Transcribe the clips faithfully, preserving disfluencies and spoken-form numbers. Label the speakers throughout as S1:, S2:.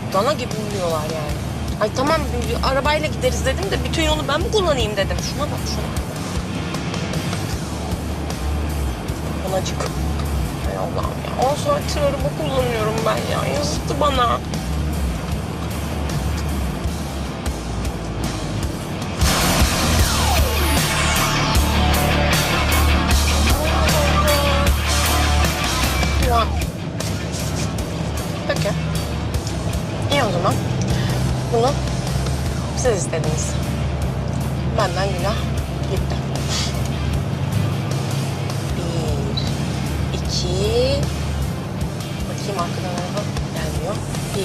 S1: Dana gibi uyuyorlar yani. Ay tamam arabayla gideriz dedim de bütün yolu ben mi kullanayım dedim. Şuna bak şuna. Anacık. Hay Allah'ım ya. On saattir araba kullanıyorum ben ya. Yazıktı bana. Ya. Peki. İyi o zaman. Bunu siz istediniz. Benden günah gitti. Bir, iki... Bakayım arkadan araba gelmiyor. Bir.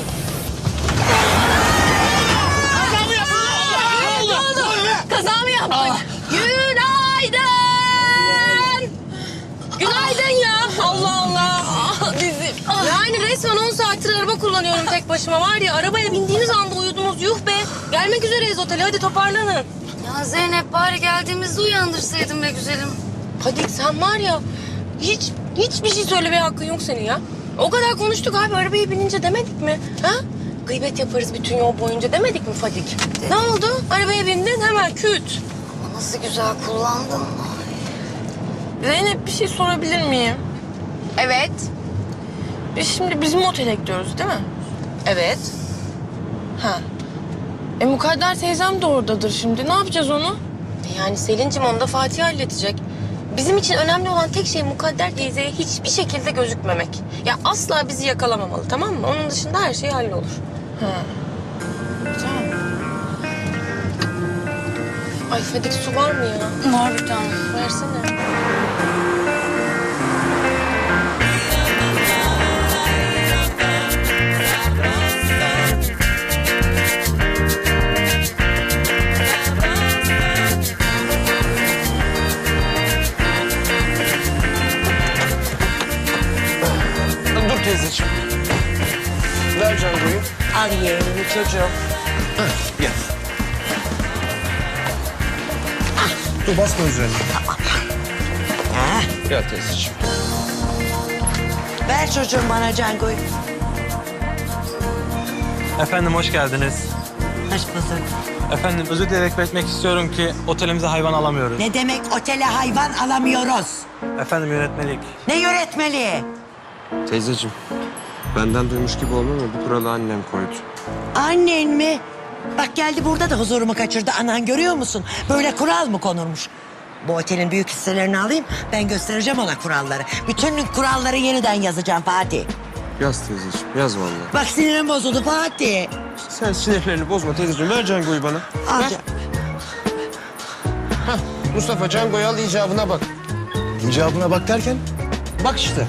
S1: Kaza mı yaptın? Ne oldu? Kaza mı yaptık? Günaydın! Günaydın ya. Allah Allah. Bizim. Yani resmen on saattir araba kullanıyorum tek başıma. Var ya arabaya bindiğiniz anda uyudunuz. Yuh be. Gelmek üzereyiz otele. Hadi toparlanın.
S2: Ya Zeynep bari geldiğimizde uyandırsaydın be güzelim.
S1: Hadi sen var ya hiç hiçbir şey söylemeye hakkın yok senin ya. O kadar konuştuk abi arabaya binince demedik mi? Ha? Gıybet yaparız bütün yol boyunca demedik mi Fadik?
S2: De-
S1: Ne oldu? Arabaya bindin hemen küt.
S2: Ama nasıl güzel kullandın.
S1: Zeynep bir şey sorabilir miyim? Evet. Biz şimdi bizim otele gidiyoruz değil mi? Evet. Ha. E Mukadder teyzem de oradadır şimdi. Ne yapacağız onu? Yani Selin'cim onu da Fatih halledecek. Bizim için önemli olan tek şey Mukadder teyzeye hiçbir şekilde gözükmemek. Ya asla bizi yakalamamalı tamam mı? Onun dışında her şey hallolur. Ha. Tamam. Ay Fadik su var mı ya?
S2: Var bir tane.
S1: Versene.
S3: Dur teyzeciğim. Ver Cango'yu.
S1: Al yeğenimi çocuğum.
S3: Gel. Dur basma üzerine. Gel teyzeciğim.
S4: Ver çocuğum bana Cango'yu.
S5: Efendim hoş geldiniz.
S4: Hoş bulduk.
S5: Efendim özür dileyerek belirtmek istiyorum ki otelimize hayvan alamıyoruz.
S4: Ne demek otele hayvan alamıyoruz?
S5: Efendim yönetmelik.
S4: Ne yönetmeliği?
S3: Teyzeciğim, benden duymuş gibi olma ama bu kuralı annem koydu.
S4: Annen mi? Bak geldi burada da huzurumu kaçırdı. Anan görüyor musun? Böyle kural mı konurmuş? Bu otelin büyük hisselerini alayım. Ben göstereceğim ona kuralları. Bütün kuralları yeniden yazacağım Fatih.
S3: Yaz teyzeciğim, yaz vallahi.
S4: Bak sinirim bozuldu Fatih.
S3: Sen sinirlerini bozma teyzeciğim. Ver Cango'yu bana.
S4: Al
S3: Ver.
S4: can-
S3: Hah, Mustafa Cango'yu al icabına bak.
S6: İcabına bak derken
S3: Bak işte.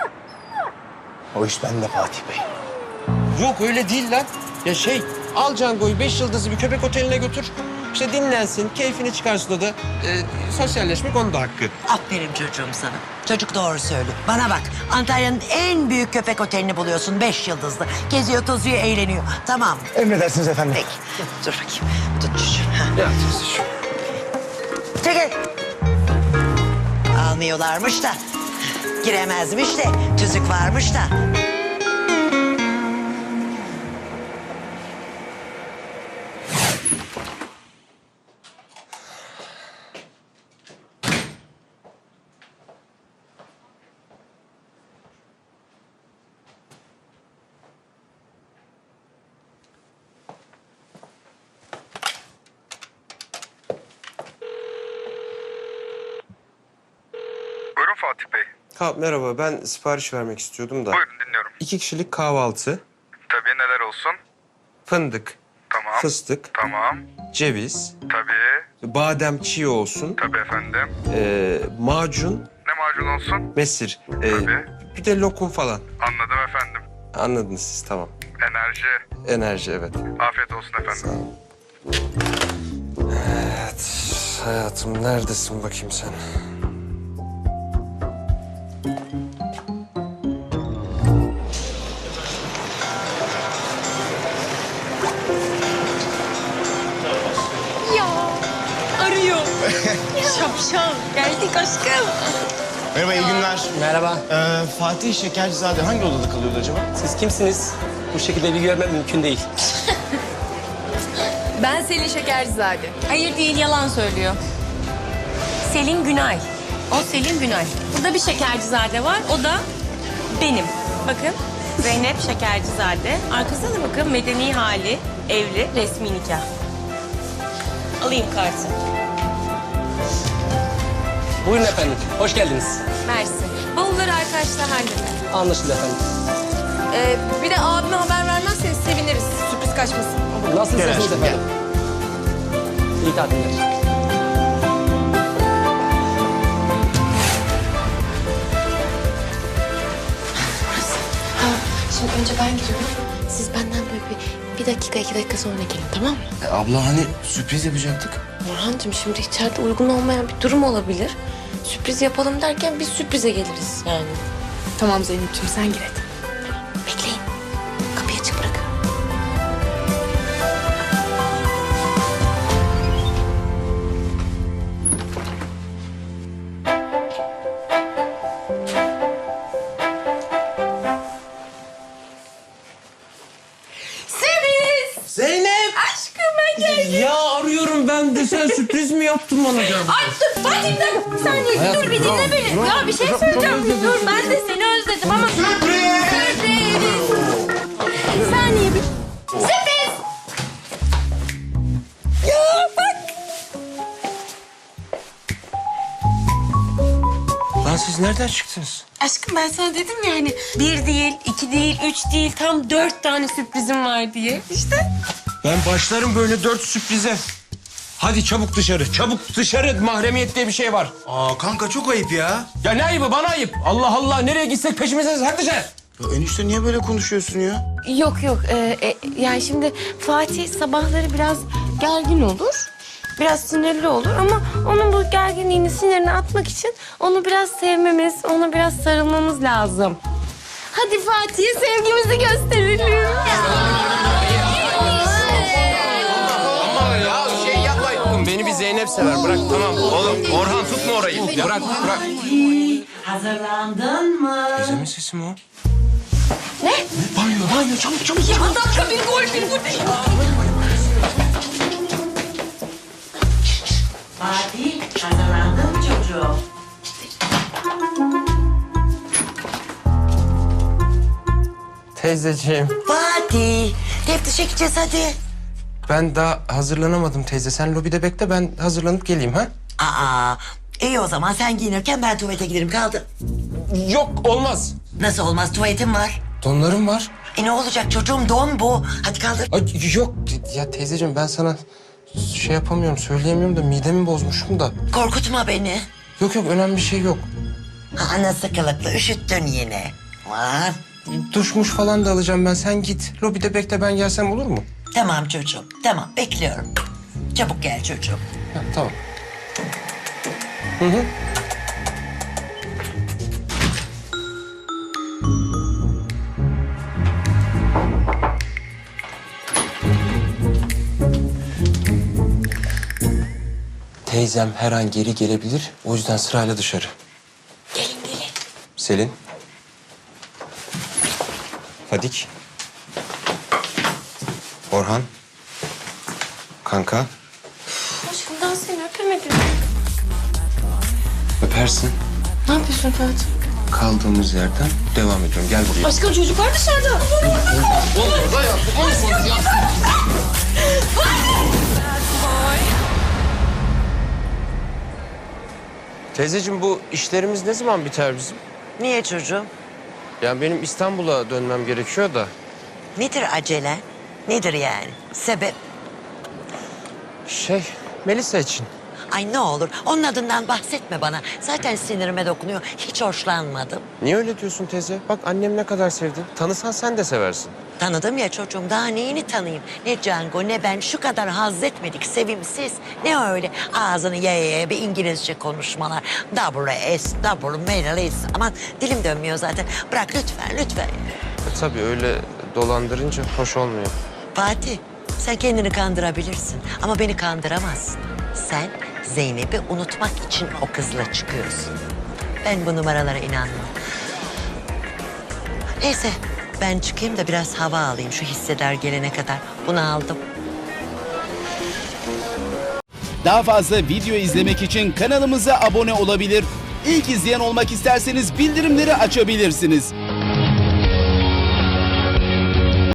S6: o iş bende Fatih Bey.
S3: Yok öyle değil lan. Ya şey, al Cango'yu beş yıldızlı bir köpek oteline götür. İşte dinlensin, keyfini çıkarsın o da. Ee, sosyalleşmek onun da hakkı.
S4: Aferin çocuğum sana. Çocuk doğru söylüyor. Bana bak Antalya'nın en büyük köpek otelini buluyorsun. Beş yıldızlı. Geziyor, tozuyor, eğleniyor. Tamam.
S6: Emredersiniz efendim.
S4: Peki. Dur bakayım. Tut çocuğum. Ha.
S3: Ya teyzeciğim.
S4: Çekil. Almıyorlarmış da. Giremezmiş de. Tüzük varmış da.
S7: Buyurun Fatih Bey.
S3: Ha, merhaba, ben sipariş vermek istiyordum da.
S7: Buyurun dinliyorum.
S3: İki kişilik kahvaltı,
S7: Tabii neler olsun?
S3: fındık,
S7: Tamam.
S3: fıstık,
S7: Tamam.
S3: ceviz,
S7: Tabii.
S3: badem çiğ olsun,
S7: Tabii efendim.
S3: ee, macun,
S7: Ne macun olsun?
S3: mesir, ee,
S7: Tabii.
S3: bir de lokum falan.
S7: Anladım efendim.
S3: Anladınız siz, tamam.
S7: Enerji.
S3: Enerji, evet.
S7: Afiyet olsun efendim.
S3: Evet, hayatım neredesin bakayım sen?
S1: Ya arıyor. Şapşal. Geldik aşkım.
S6: Merhaba, iyi günler.
S5: Merhaba.
S6: Ee, Fatih Şekercizade hangi odada kalıyordu acaba?
S5: Siz kimsiniz?
S8: bu şekilde bilgi vermem mümkün değil.
S1: Ben Selin Şekercizade.
S9: Hayır değil, yalan söylüyor. Selin Günay. O Selin Günay. Burada bir Şekercizade var, o da benim. Bakın, Zeynep Şekercizade. Arkasına da bakın, medeni hali, evli, resmi nikah. Alayım kartı.
S8: Buyurun efendim, hoş geldiniz.
S9: Mersi. Bavulları arkadaşlar halleder.
S8: Anlaşıldı efendim.
S1: Ee, bir de abime haber vermezseniz seviniriz. Sürpriz kaçmasın.
S8: Nasıl
S6: Gel
S8: isterseniz
S6: aşkım,
S8: efendim. İyi tatiller.
S1: Şimdi önce ben giriyorum. Siz benden böyle bir, bir dakika, iki dakika sonra gelin, tamam mı?
S6: E, abla hani sürpriz yapacaktık.
S1: Orhancığım şimdi içeride uygun olmayan bir durum olabilir. Sürpriz yapalım derken biz sürprize geliriz yani. Tamam Zeynep'ciğim sen gir hadi. Bekleyin. Kapıyı açık bırakın.
S3: Zeynep!
S1: Aşkım ben geldim.
S3: Ya arıyorum ben de sen sürpriz mi yaptın bana canım?
S9: Ay dur, Fatih bir dakika. Bir saniye,
S3: Hayatım,
S9: dur bir dinle
S3: bravo,
S9: beni.
S3: bravo.
S9: Ya bir şey
S3: Çok-
S9: söyleyeceğim.
S3: çok özledim
S9: Dur,
S3: seni.
S9: ben de seni özledim ama... Sürpriz! Bir saniye, bir... Sürpriz! Ya bak!
S3: Lan siz nereden çıktınız?
S9: Aşkım ben sana dedim ya hani bir değil, iki değil, üç değil, tam dört tane sürprizim var diye. İşte.
S3: Ben başlarım böyle dört sürprize. Hadi çabuk dışarı, çabuk dışarı. Mahremiyet diye bir şey var.
S6: Aa kanka çok ayıp ya.
S3: Ya ne ayıbı, bana ayıp. Allah Allah, nereye gitsek peşimizdeyiz. Hadi dışarı.
S6: Ya enişte niye böyle konuşuyorsun ya?
S1: Yok yok. Ee, e, yani şimdi Fatih sabahları biraz gergin olur. Biraz sinirli olur ama onun bu gerginliğini, sinirini atmak için onu biraz sevmemiz, ona biraz sarılmamız lazım. Hadi Fatih'e sevgimizi gösterelim.
S3: Ya şey yapmayın. Beni bir Zeynep sever. Bırak tamam. Oğlum Orhan tutma orayı. Bırak bırak.
S4: Hazırlandın mı?
S3: Teyzemin sesi mi o?
S6: Banyo banyo çabuk çabuk.
S9: Ya dakika bir gol, bir gol.
S4: Fatih, hazırlandın mı çocuğum?
S3: Teyzeciğim.
S4: Fatih, teftişe gideceğiz hadi.
S3: Ben daha hazırlanamadım teyze. Sen lobide bekle, ben hazırlanıp geleyim ha?
S4: Aa, iyi o zaman sen giyinirken ben tuvalete giderim kaldı.
S3: Yok olmaz.
S4: Nasıl olmaz, tuvaletim var.
S3: Donlarım var.
S4: E ne olacak çocuğum, don bu. Hadi kaldır.
S3: Ay, yok ya teyzeciğim, ben sana şey yapamıyorum, söyleyemiyorum da midemi bozmuşum da.
S4: Korkutma beni.
S3: Yok yok, önemli bir şey yok.
S4: Aa, nasıl kılıklı, üşüttün yine. Var.
S3: Duşmuş falan da alacağım ben. Sen git. Lobide bekle, ben gelsem olur mu?
S4: Tamam çocuğum, tamam bekliyorum. Çabuk gel çocuğum.
S3: Ha, tamam. Hı hı. Teyzem her an geri gelebilir. O yüzden sırayla dışarı.
S1: Gelin gelin.
S3: Selin. Fadik. Orhan. Kanka.
S1: Aşkım daha seni öpemedim.
S3: Öpersin.
S1: Ne yapıyorsun Fatih?
S3: Kaldığımız yerden devam ediyorum. Gel buraya.
S1: Aşkım çocuklar dışarıda.
S3: Teyzeciğim, bu işlerimiz ne zaman biter bizim?
S4: Niye çocuğum?
S3: Yani benim İstanbul'a dönmem gerekiyor da.
S4: Nedir acele? Nedir yani? Sebep?
S3: Şey, Melisa için.
S4: Ay ne olur onun adından bahsetme bana. Zaten sinirime dokunuyor. Hiç hoşlanmadım.
S3: Niye öyle diyorsun teyze? Bak annem ne kadar sevdi. Tanısan sen de seversin.
S4: Tanıdım ya çocuğum, daha neyini tanıyayım? Ne Django ne ben şu kadar haz etmedik, sevimsiz. Ne öyle ağzını ye ye bir İngilizce konuşmalar. W S, W, Menalis. Aman dilim dönmüyor zaten. Bırak lütfen, lütfen.
S3: E, tabii öyle dolandırınca hoş olmuyor.
S4: Fatih, sen kendini kandırabilirsin ama beni kandıramazsın. Sen Zeynep'i unutmak için o kızla çıkıyorsun. Ben bu numaralara inanmam. Neyse, Ben çıkayım da biraz hava alayım şu hisseler gelene kadar. Bunu aldım.
S10: Daha fazla video izlemek için kanalımıza abone olabilir. İlk izleyen olmak isterseniz bildirimleri açabilirsiniz.